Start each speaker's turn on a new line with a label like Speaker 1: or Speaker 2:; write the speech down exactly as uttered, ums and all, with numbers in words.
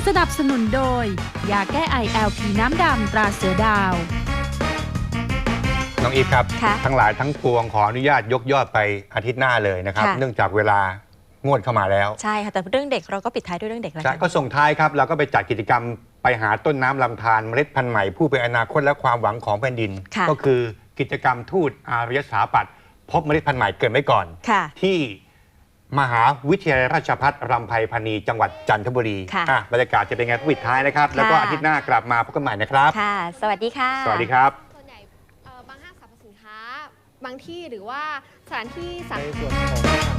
Speaker 1: สนับสนุนโดยยาแก้ไอ แอล พี น้ำดำตราเสือดาว
Speaker 2: น้องอีฟครับทั้งหลายทั้งปวงขออนุญาตยกยอดไปอาทิตย์หน้าเลยนะครับเนื่องจากเวลางวดเข้ามาแล้ว
Speaker 3: ใช่ค่ะแต่เรื่องเด็กเราก็ปิดท้ายด้วยเรื่องเด็กแล้ว
Speaker 2: ก็ส่งท้ายครับเราก็ไปจัดกิจกรรมไปหาต้นน้ำลำธารเมล็ดพันธุ์ใหม่ผู้เป็นอนาคตและความหวังของแผ่นดินก็คือกิจกรรมทูตอารยสถาปัตย์พบเมล็ดพันธุ์ใหม่เกิดไว้ก่อนที่มหาวิทยาลัยราชภัฏรำไพพรรณีจังหวัดจันทบุรีบรรยากาศจะเป็นไงปิดท้ายนะครับแล้วก็อาทิตย์หน้ากลับมาพบกันใหม่นะครับ
Speaker 3: ค่ะสวัสดีค่ะ
Speaker 2: สวัสดีครับ
Speaker 4: ส่วนใหญ่บางห้างสรรพสินค้าบางที่หรือว่าสถานที่สาธารณะ